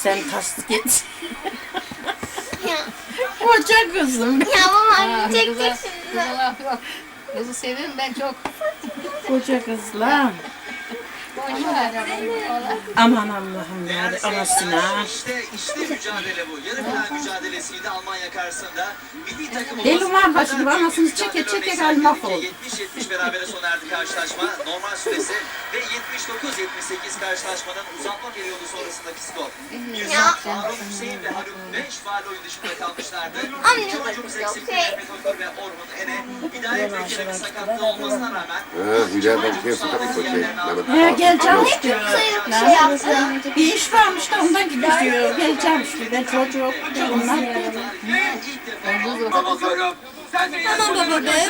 sen tasdik et. Ya, Koca kızım. ya baba çekecek Kızı şimdi. laf yok. Kızı seviyorum ben çok. Koca kızlar. Boşver. Aman Allah'ım ya anasına. İşte mücadele bu. Yarı final mücadelesiydi Almanya karşısında. Milli takımımız Deli var başını anasını çeke çeke gel mahvoldu. 70-70 berabere sona erdi karşılaşma. Normal süresi ve 79-78 karşılaşmanın uzatma periyodu sonrasındaki skor. Harun Hüseyin ve Haluk 5 faal oyun dışında kalmışlardı. Anne, İki oyuncumuz yok, eksikti. yok. Mehmet Ökür ve Orhun Ene. Hidayet Ülker'in sakatlığı olmasına rağmen Hidayet Ülker'in sakatlığı şey. He geleceğim işte. Sayılık bir şey yaptı. Bir iş varmış da ondan gidiyor. Geleceğim işte. Ben çocuğu onlar. Tamam baba be.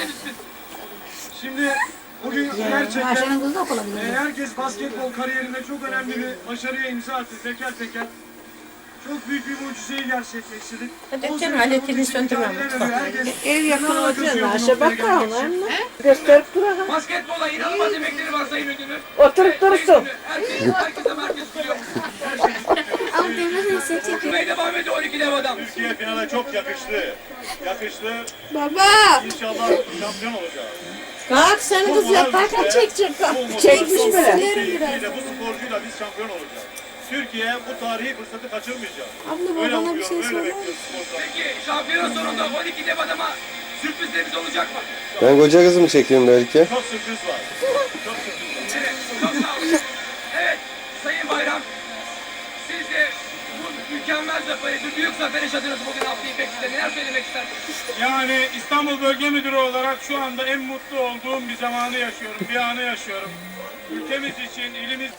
Şimdi bugün gerçekten Ayşe'nin kızı da okula gidiyor. herkes basketbol kariyerinde çok önemli bir başarıya imza attı teker teker. Çok büyük bir mucizeyi gerçekleştirdik. Hadi canım aletini söndürme mutfakta. Ev yakın olacağız. Aşağı bakalım. Gösterip duralım. Basketbola inanılmaz emekleri var sayın müdürüm. Oturup dursun. Herkese merkez biliyor. Ama demir ise çekiyor. Ve devam ediyor 12 dev adam. Türkiye finale çok yakıştı. Yakıştı. Baba. İnşallah şampiyon olacağız. Kalk seni kız yaparken çekecek. Bu Çekmiş motivasyon, bile. bu keyifliyle, bu sporcuyla biz şampiyon olacağız. Türkiye bu tarihi fırsatı kaçırmayacak. Abla Öyle bana bir şey umuyorum, öyle söyle. bekliyoruz sporcular. Peki şampiyona sonunda 12 dev adama sürprizlerimiz olacak mı? Ben koca kızımı çekeyim belki. Çok sürpriz var. Çok sürpriz var. Evet, çok sağ olun. Evet, Sayın Bayram. Siz de bu mükemmel zaferi, bu büyük zafer yaşadınız bugün Abdi İpekçi'de. Neler söylemek istersiniz? Yani İstanbul Bölge Müdürü olarak şu anda en mutlu olduğum bir zamanı yaşıyorum, bir anı yaşıyorum. Ülkemiz için, ilimiz...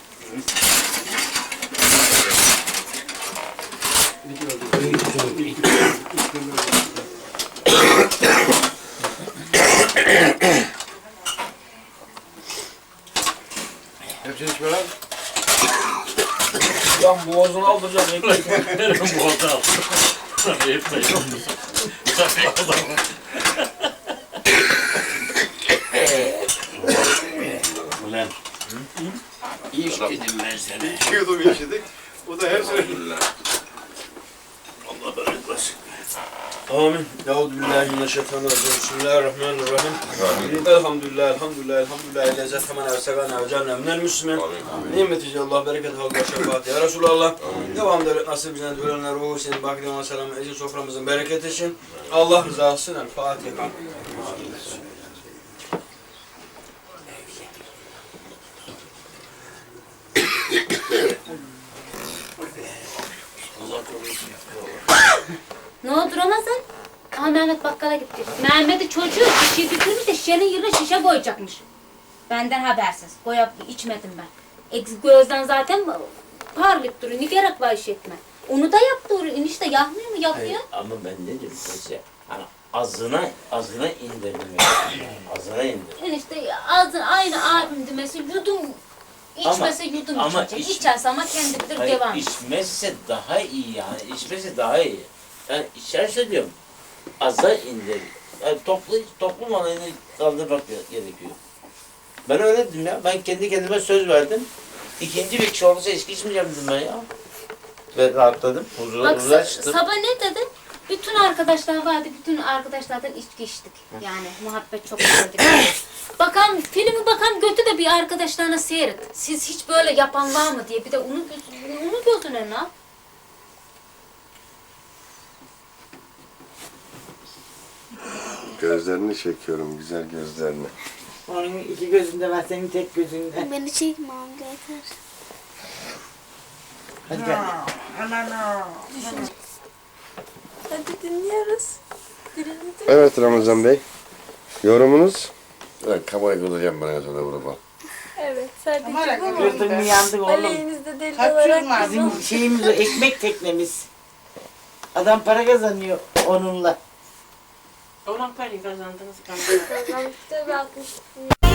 Hepsini içme lan. Lan boğazını aldıracağım. Nereye boğazını al? Hep de yok musun? Ulan. İş dedim ben sana. İçiyordum yaşadık. O da her sene. Allah bereket versin. Amin. Euzubillahimineşşeytanirracim. Bismillahirrahmanirrahim. Elhamdülillah, elhamdülillah, elhamdülillah. Lezzet hemen evsegana ve canne minel müslümin. Nimetici Allah, bereket halka şefaat. Ya Resulallah. Devam devlet nasip bizden ölenler ruhu senin bakdiyana selam. Ecil soframızın bereket için. Allah rızası için. El Fatiha. Ne oldu Ramazan? Aha Mehmet bakkala gitti. Mehmet'i çocuğu şişe götürmüş de şişenin yerine şişe koyacakmış. Benden habersiz. Koyup içmedim ben. Gözden zaten parlayıp duruyor. Ne gerek var iş etme. Onu da yaptı oraya. Enişte yapmıyor mu? Yapıyor. Hayır, ama ben ne dedim size? Hani azına indirdim. Yani. Azına indirdim. Enişte ağzın aynı abim demesi yudum içmese yudum ama içecek. İçerse ama kendi bilir Hayır, devam. içmezse daha iyi yani. İçmesi daha iyi. Yani içerse diyorum aza indir. Yani toplum alanını kaldırmak gerekiyor. Ben öyle dedim ya. Ben kendi kendime söz verdim. İkinci bir kişi olursa içki içmeyeceğim dedim ben ya. Ve rahatladım. Bak Huzura çıktım. sabah ne dedi? Bütün arkadaşlar vardı, bütün arkadaşlardan içki içtik. Yani muhabbet çok gördük. Bakan, filmi bakan götü de bir arkadaşlarına seyret. Siz hiç böyle yapan var mı diye bir de onu gözüne ne yap? Gözlerini çekiyorum, güzel gözlerini. Onun iki gözünde var, senin tek gözünde. Beni çekme amca yeter. Hadi gel. Hadi dinliyoruz. Evet Ramazan Bey. Yorumunuz? Ben kamerayı kılacağım bana sonra vurma. Evet sadece bu mu? Kırdın mı yandık oğlum. Aleyhinizde deli olarak Bizim şeyimiz o, ekmek teknemiz. Adam para kazanıyor onunla. Onun parayı kazandınız. kazandık. Tabii 60.